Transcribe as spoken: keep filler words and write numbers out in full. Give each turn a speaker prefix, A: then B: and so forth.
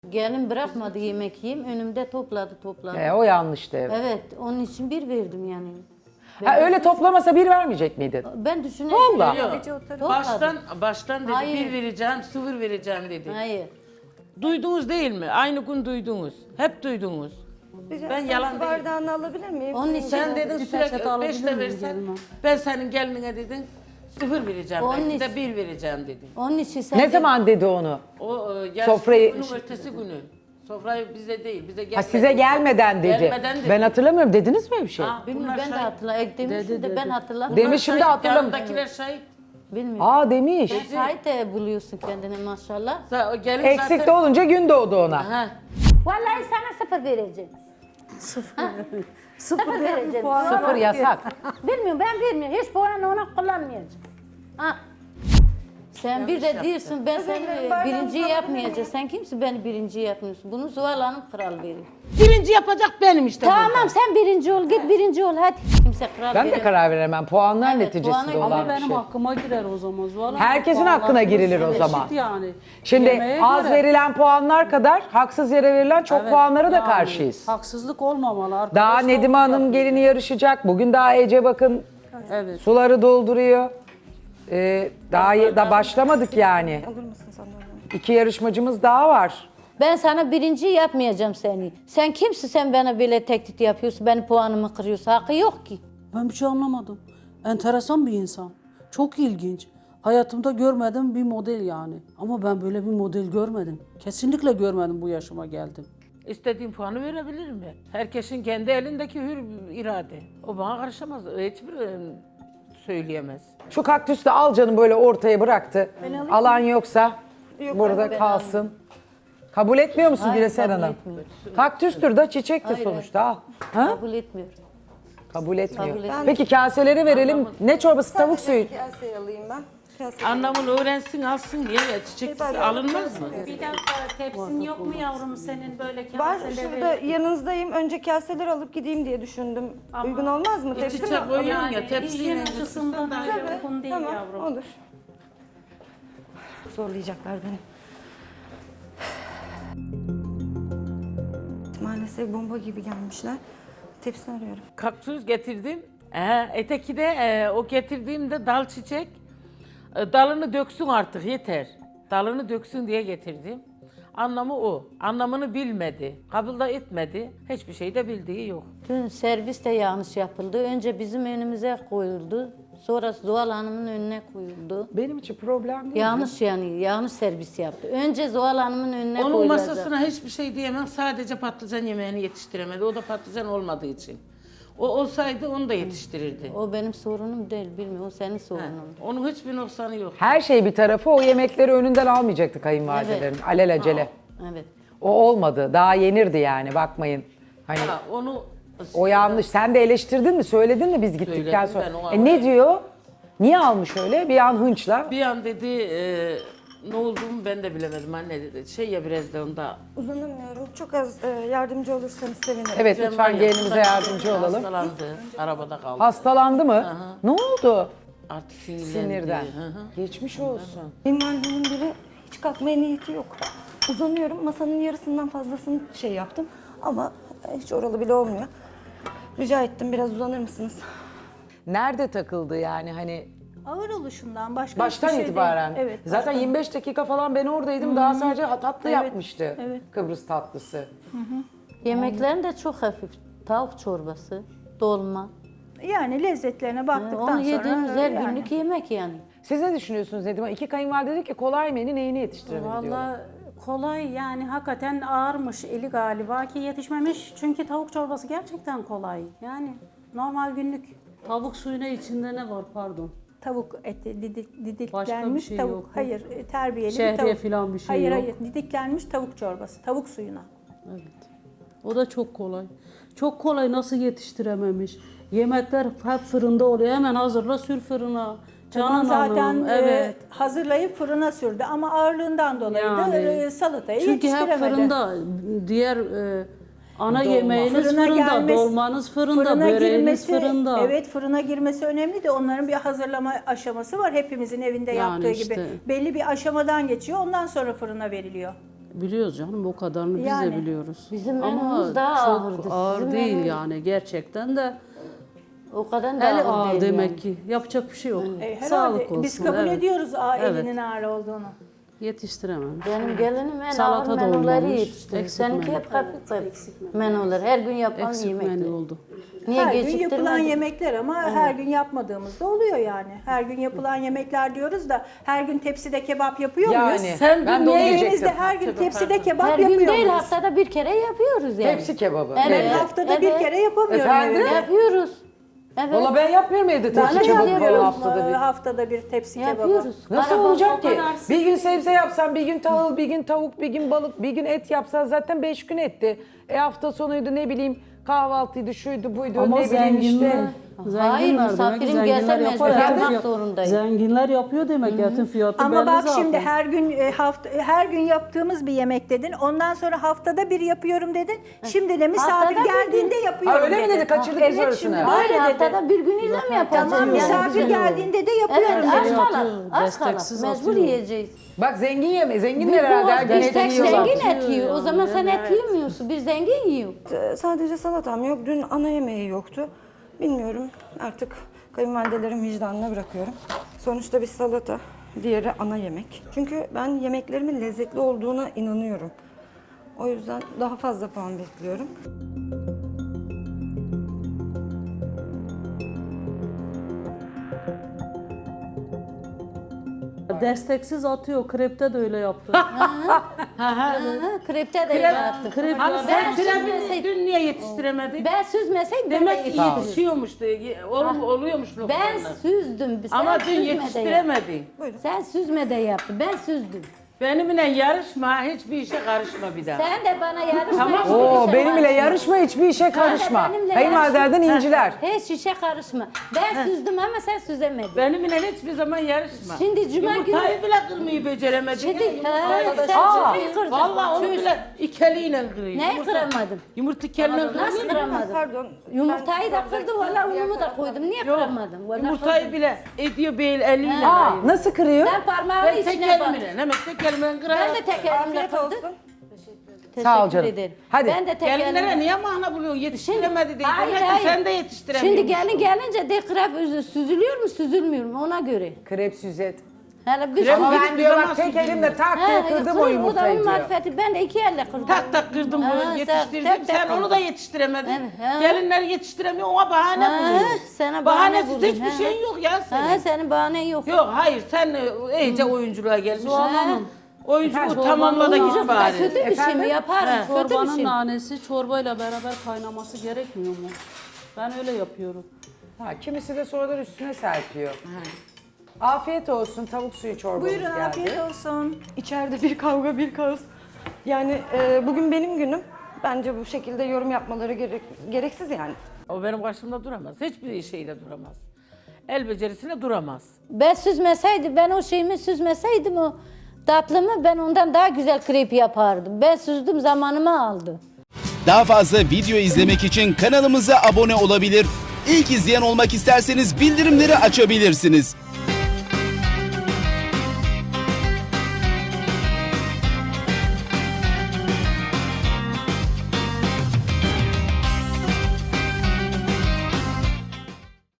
A: Gelin bırakmadı yemek yiyeyim. Önümde topladı topladı.
B: E, o yanlıştı. Evet.
A: Evet, onun için bir verdim yani.
B: Ha, öyle toplamasa bir vermeyecek miydin?
A: Ben düşünüyorum.
B: Vallahi.
C: Yok.
A: Topladı.
C: Baştan baştan dedi
A: Hayır.
C: bir vereceğim, sıfır vereceğim dedi.
A: Hayır.
C: Duydunuz değil mi? Aynı gün duydunuz. Hep duydunuz.
D: Ben
C: Ben yalan değil.
D: bardağını alabilir miyim?
A: Onun için
C: Sen dedin
E: Bir
C: sürekli
E: peçete alabilir
C: beşte
E: miyim
C: versen,
E: gelin?
C: ben senin gelinine dedin sıfır vereceğim.
A: Onun
C: Belki de
A: için-
C: bir vereceğim dedin.
A: Onun için sen
B: Ne
A: de-
B: zaman dedi onu?
C: O e, yarışma
B: Sofrayı-
C: günün ertesi günü. Sofrayı bize değil, bize gelmedi.
B: Ha, size gelmeden dedi.
C: Gelmeden dedi.
B: Ben hatırlamıyorum. Dediniz mi öyle bir şey?
C: Ha,
A: Bilmiyorum,
C: bunlar
A: ben de
C: şahit.
A: hatırlamıyorum. Demişim de ben hatırlamıyorum.
B: Demiş. Demişim de
C: Şahit,
B: hatırlamıyorum.
C: yanındakiler şahit.
A: Bilmiyorum.
B: Aa demiş.
A: Şahit de buluyorsun kendine maşallah.
C: Sa- O gelin
B: Eksik de
C: zaten...
B: olunca gün doğdu ona.
C: Ha.
A: Vallahi sana sıfır vereceğim.
E: Sıfır
A: Sıfır vereceğim.
B: Sıfır yasak.
A: Bilmiyorum, ben bilmiyorum. Hiç puanı ona kullanmayacağım. Ha. Sen bir de diyorsun ben seni birinci yapmayacağım. Sen kimsin beni birinci yapmıyorsun? Bunu Zuhal Hanım kral veriyor.
C: Birinci yapacak benim işte.
A: Tamam sen birinci ol, git birinci ol hadi. Kimse kral
B: Ben de
A: veremez.
B: karar veremem. Puanlar
A: Evet,
B: neticesinde
A: puana-
B: olan
E: Ama
B: bir
E: benim
B: şey.
E: hakkıma girer o zaman Zuhal Hanım.
B: Herkesin
E: Puanlar
B: hakkına girilir o
E: eşit
B: zaman.
E: yani.
B: Şimdi
E: Yemeğe
B: az
E: göre.
B: verilen puanlar kadar haksız yere verilen çok
E: Evet,
B: puanlara da
E: yani
B: karşıyız.
E: Haksızlık olmamalı.
B: Daha
E: Arkadaşlar
B: Nedime Hanım
E: yapıyor.
B: gelini yarışacak. Bugün daha Ece bakın
E: Evet.
B: suları dolduruyor. Ee, daha ye- da başlamadık yani.
D: Alır mısın sen de onu?
B: İki yarışmacımız daha var.
A: Ben sana birinci yapmayacağım seni. Sen kimsin sen bana böyle tehdit yapıyorsun, benim puanımı kırıyorsun. Hakkı yok ki.
E: Ben bir şey anlamadım. Enteresan bir insan. Çok ilginç. Hayatımda görmediğim bir model yani. Ama ben böyle bir model görmedim. Kesinlikle görmedim bu yaşıma geldim.
C: İstediğim puanı verebilirim ben. Herkesin kendi elindeki hür irade. O bana karışamaz. Hiçbir e, söyleyemez.
B: Şu kaktüsü de al canım böyle ortaya bıraktı. Alan yoksa
D: Yok,
B: burada
A: ben
B: kalsın. Kabul etmiyor musun
A: Hayır,
B: Güleser
A: kabul
B: Hanım?
A: etmiyorum.
B: Kaktüstür de çiçektir
A: Hayır,
B: sonuçta al. Ha?
A: Kabul etmiyorum.
B: Kabul etmiyor.
A: Kabul etmiyorum.
B: Peki kaseleri verelim. Ne çorbası? Tavuk suyu.
D: Kaseyi alayım ben. Kaseyi.
C: Anlamını öğrensin alsın diye ya çiçek alınmaz mı?
F: Bir dakika tepsin yok mu yavrum senin böyle
D: Var
F: kaseleri?
D: şurada yanınızdayım. Önce kaseleri alıp gideyim diye düşündüm.
F: Ama-
D: Uygun olmaz mı? Tepsi mi?
C: Çiçek koyuyorsun
F: Yani
C: ya tepsiyle.
F: hijyen açısından da uygun değil
D: Tamam,
F: yavrum.
D: olur. Zorlayacaklar beni. Maalesef bomba gibi gelmişler. Tepsi arıyorum.
C: Kaktüs getirdim. Ee, eteki de e, o getirdiğimde dal çiçek. E, dalını döksün artık yeter. Dalını döksün diye getirdim. Anlamı o. Anlamını bilmedi. Kabul da etmedi. Hiçbir şey de bildiği yok.
A: Dün servis de yanlış yapıldı. Önce bizim önümüze koyuldu. Sonra Zuhal Hanım'ın önüne koyuldu.
B: Benim için problem değil.
A: Yanlış yani, yanlış servis yaptı. Önce Zuhal Hanım'ın önüne
C: Onun
A: koyulacak.
C: masasına hiçbir şey diyemem. Sadece patlıcan yemeğini yetiştiremedi. O da patlıcan olmadığı için. O olsaydı onu da yetiştirirdi.
A: O benim sorunum değil, bilmiyorum. O senin
C: Ha,
A: sorunun.
C: onun hiçbir noksanı yok.
B: Her şey bir tarafı o yemekleri önünden almayacaktı kayınvalidelerin.
A: Evet.
B: Alelacele.
A: Evet.
B: O olmadı. Daha yenirdi yani bakmayın. Hani
C: Ha, onu
B: o yanlış. Sen de eleştirdin mi? Söyledin mi biz gittikten
C: Söyledim
B: sonra?
C: ben, o
B: E ne
C: an-
B: diyor? Niye almış öyle? Bir an hınçla.
C: bir an dedi e, ne olduğumu ben de bilemedim anne dedi. Şey ya biraz da onda.
D: Uzanamıyorum. Çok az e, yardımcı olursanız sevinirim.
B: Evet
C: Cem
B: lütfen
C: var ya,
B: gelinimize yardımcı olalım.
C: Hastalandı. Arabada kaldı.
B: Hastalandı mı? Ne oldu?
C: Artık sinirlendi.
B: Sinirden.
C: Hı hı.
B: Geçmiş olsun.
D: Benim annemin biri hiç kalkmaya niyeti yok. Uzanıyorum. Masanın yarısından fazlasını şey yaptım. Ama hiç oralı bile olmuyor. Rica ettim biraz uzanır mısınız?
B: Nerede takıldı yani hani
F: Ağır oluşundan başka
B: baştan
F: hiçbir şey
B: itibaren?
F: değil. Evet.
B: Zaten
F: baştan.
B: yirmi beş dakika falan ben oradaydım. Daha sadece tatlı
F: Evet,
B: yapmıştı.
F: evet.
B: Kıbrıs tatlısı.
A: Yemeklerin de çok hafif. Tavuk çorbası, dolma.
F: Yani lezzetlerine baktıktan
A: Onu
F: sonra
A: yediğimiz her
F: yani.
A: günlük yemek yani.
B: Siz ne düşünüyorsunuz Nedime? İki kayınvalide dedi ki kolay menü neyini yetiştiremedi diyorlar.
G: Valla kolay yani hakikaten ağırmış eli galiba ki yetişmemiş. Çünkü tavuk çorbası gerçekten kolay. Yani normal günlük.
E: Tavuk suyuna içinde ne var pardon?
F: Tavuk eti didik,
E: Başka bir
F: didiklenmiş
E: şey
F: tavuk.
E: yok mu?
F: Hayır, e, terbiyeli
E: Şehriye
F: bir tavuk.
E: falan bir şey
F: hayır,
E: yok.
F: hayır, didiklenmiş tavuk çorbası, tavuk suyuna.
E: Evet. O da çok kolay. Çok kolay nasıl yetiştirememiş. Yemekler hep fırında oluyor. Hemen hazırla sür fırına. Canan
F: Tamam, zaten
E: Hanım,
F: e,
E: evet.
F: hazırlayıp fırına sürdü ama ağırlığından dolayı
E: Yani.
F: da e, salatayı
E: Çünkü hep
F: yetiştiremedi.
E: fırında diğer e, ana
C: Dolma.
E: yemeğiniz
F: Fırına
E: fırında,
F: gelmesi-
E: dolmanız fırında,
F: Fırına
E: böreğiniz
F: girmesi,
E: fırında.
F: evet fırına girmesi önemli de onların bir hazırlama aşaması var hepimizin evinde
E: Yani
F: yaptığı
E: işte.
F: gibi. Belli bir aşamadan geçiyor ondan sonra fırına veriliyor.
E: Biliyoruz canım, o kadarını biz
F: Yani.
E: de biliyoruz.
A: Bizim
E: Ama
A: menümüz daha
E: çok
A: ağırdı.
E: ağır
A: Sizin
E: değil
A: menü-
E: yani gerçekten de.
A: O kadar da
E: Eli
A: ağır
E: ağır
A: değil
E: demek
A: yani.
E: ki. Yapacak bir şey yok.
F: E, herhalde
E: Sağlık olsun.
F: biz kabul
E: evet.
F: ediyoruz aa,
E: Evet.
F: elinin ağır olduğunu.
E: Yetiştirememiş.
A: Benim gelinim en
E: Salata
A: ağır
E: da
A: menüleri
E: olmamış,
A: yetiştirdi.
E: eksik
A: Seninki
E: menü.
A: hep hafif hafif menüler. Her gün yapılan
E: Eksik
A: yemekler.
E: menü oldu.
A: Niye
F: Her gün yapılan
A: geciktirmedin?
F: yemekler ama her gün yapmadığımız da oluyor yani. Her gün yapılan yemekler diyoruz da her gün tepside kebap yapıyor
B: Yani
F: muyuz?
C: Sen
B: ben de onu
C: bilmeyen-
F: Evinizde
B: diyecektim.
F: her gün tepside kebap
A: Her
F: yapıyor
A: gün değil,
F: muyuz?
A: haftada bir kere yapıyoruz yani.
B: Tepsi kebabı.
A: Evet.
F: Ben haftada bir
A: Evet.
F: kere yapamıyorum
B: Efendim?
F: evde.
A: Yapıyoruz. Evet.
B: Valla ben yapmıyorum evde
F: Ben
B: tepsi
F: de
B: kebabı falan
F: yapıyorum
B: haftada bir.
F: e, haftada bir tepsi kebabı.
A: Yapıyoruz.
B: Nasıl
A: Araba-
B: olacak ki?
G: o kadar
B: Bir gün sebze yapsan, bir gün tahıl, bir gün tavuk, bir gün balık, bir gün et yapsan zaten beş gün etti. E hafta sonuydu ne bileyim kahvaltıydı, şuydu buydu
E: Ama
B: ne bileyim
E: zenginler,
B: işte.
E: zenginler
A: Hayır,
E: demek,
A: misafirim gelse
E: zenginler
A: mecbur
E: yapar, etin
A: yapmak
E: fiyat-
A: zorundayım.
E: Zenginler yapıyor demek, etin fiyatı
F: Ama
E: belli
F: bak
E: zaten.
F: şimdi her gün e, hafta her gün yaptığımız bir yemek dedin. Ondan sonra haftada bir yapıyorum dedin. Şimdi de misafir
A: Haftada bir
F: geldiğinde yapıyorum
B: Ha, öyle mi
F: dedin.
B: dedi? Kaçırdık biz
F: Evet
B: orasını.
F: şimdi
A: Hayır,
F: böyle dedi.
A: haftada bir gün ile mi yapacağız?
F: Tamam
A: Yani
F: misafir
A: güzel olur.
F: geldiğinde de yapıyorum
A: Evet,
F: dedin.
A: aç kala.
E: Atıyor,
A: Aç kala.
E: desteksiz
A: Mecbur
E: atıyor.
A: yiyeceğiz.
B: Bak zengin yeme, zenginler herhalde her gün
A: Bir
B: et
A: tek
B: yiyorlar.
A: zengin et yiyor. O zaman sen et yemiyorsun. Bir zengin yiyor.
D: Ee, Sadece salatam yok. Dün ana yemeği yoktu. Bilmiyorum. Artık kayınvalidelerin vicdanına bırakıyorum. Sonuçta bir salata, diğeri ana yemek. Çünkü ben yemeklerimin lezzetli olduğuna inanıyorum. O yüzden daha fazla puan bekliyorum.
E: Desteksiz atıyor, krepte de öyle yaptı.
A: Ha, krepte de yaptık.
E: Krep
C: Hani sen
A: Ben
C: pilavını
A: süzmeseydim-
C: dün niye yetiştiremedin?
A: Ben süzmeseydim
C: Demek
A: ben
C: ki
A: de
C: yetişiyormuştu, ye- ol- oluyormuş
A: Ben
C: lokmalar.
A: süzdüm. Sen
C: Ama dün
A: süzme de yap.
C: yetiştiremedin.
A: Sen süzme de yaptın. Ben süzdüm.
C: Benimle yarışma, hiçbir işe karışma bir daha.
A: Sen de bana yarışma.
C: Tamam.
A: hiçbir
B: Oo
A: işe
B: benimle
A: karışma.
B: yarışma, hiçbir işe karışma.
A: benimle
B: Kayınvalidelerden inciler.
A: Hiç işe karışma. Ben süzdüm ama sen süzemedin.
C: Benimle hiçbir zaman yarışma.
A: Şimdi cuma günü...
C: Yumurtayı bile kırmayı beceremedin.
A: Şimdi
C: ya,
A: ha,
C: yumurtayı.
A: sen
B: Aa,
A: cumayı kırdın.
C: Vallahi onu
A: Çüş.
C: bile iki eliyle kırıyor.
A: Neyi
C: Yumurta-
A: kıramadın?
C: Yumurta keliyle
A: Nasıl
C: kırıyor.
A: kıramadın?
D: Pardon.
A: Yumurtayı da
D: ben-
A: kırdı, valla unumu da koydum. Niye
C: Yok,
A: kıramadın? Vallahi
C: yumurtayı
A: kırdım.
C: bile ediyor bir el eliyle.
B: Aa nasıl kırıyor?
A: Ben parmağımı
C: Ben tek
A: içine bak.
C: elimle, hemen tek elimle kırarım.
A: Ben de tek elimle
D: Afiyet
A: kırdım.
D: olsun.
A: Teşekkür
B: Sağ ol canım.
A: ederim.
B: Hadi.
A: Ben de tek
C: Gelinlere
A: elimle.
C: niye mahna buluyorsun? Yetiştiremedi diye.
A: Hayır,
C: Demek ki
A: hayır.
C: sen de yetiştiremiyorsun.
A: Şimdi gelin gelince de krep üzü- süzülüyor mu süzülmüyor mu ona göre.
B: Krep süzet.
A: Hele bir
C: Krep
B: Ama
C: Hiçbir
B: ben diyor
C: zaman
B: bak tek
C: süzülmüyor.
B: elimle tak
A: He,
B: diye kırdım
A: kır,
B: o
A: O da
B: yumurtayı
A: onun
B: diyor.
A: marifeti. Ben de iki elle kırdım.
C: Tak tak kırdım
A: Ha,
C: bunu
A: sen
C: yetiştirdim.
A: tek tek
C: Sen onu
A: kırdın.
C: da yetiştiremedin.
A: Evet, ha.
C: Gelinler yetiştiremiyor ona bahane
A: Ha,
C: buluyor.
A: sana bahane
C: Bahanesiz
A: buldun,
C: hiçbir
A: ha.
C: şeyin yok ya senin.
A: Ha, senin bahanen yok.
C: Yok hayır sen e, iyice oyunculuğa gelmişsin.
E: Zuhal Hanım,
C: Oyunculuk tamamla da
A: Oyuncak
C: git
A: da
C: bari.
A: kötü bir şey mi? Yaparım. Kötü bir
E: çorbanın
A: şey.
E: nanesi çorbayla beraber kaynaması gerekmiyor mu? Ben öyle yapıyorum.
B: Ha, kimisi de sonradan üstüne serpiyor. Afiyet olsun tavuk suyu çorbamız
F: Buyurun
B: geldi.
F: afiyet olsun.
D: İçeride bir kavga, bir kaos. Yani e, bugün benim günüm. Bence bu şekilde yorum yapmaları gerek, gereksiz yani.
C: O benim karşımda duramaz. Hiçbir şeyle duramaz. El becerisine duramaz.
A: Ben süzmeseydim, ben o şeyimi süzmeseydim o tatlımı ben ondan daha güzel krep yapardım. Ben süzdüm zamanımı aldı.
H: Daha fazla video izlemek için kanalımıza abone olabilir. İlk izleyen olmak isterseniz bildirimleri açabilirsiniz.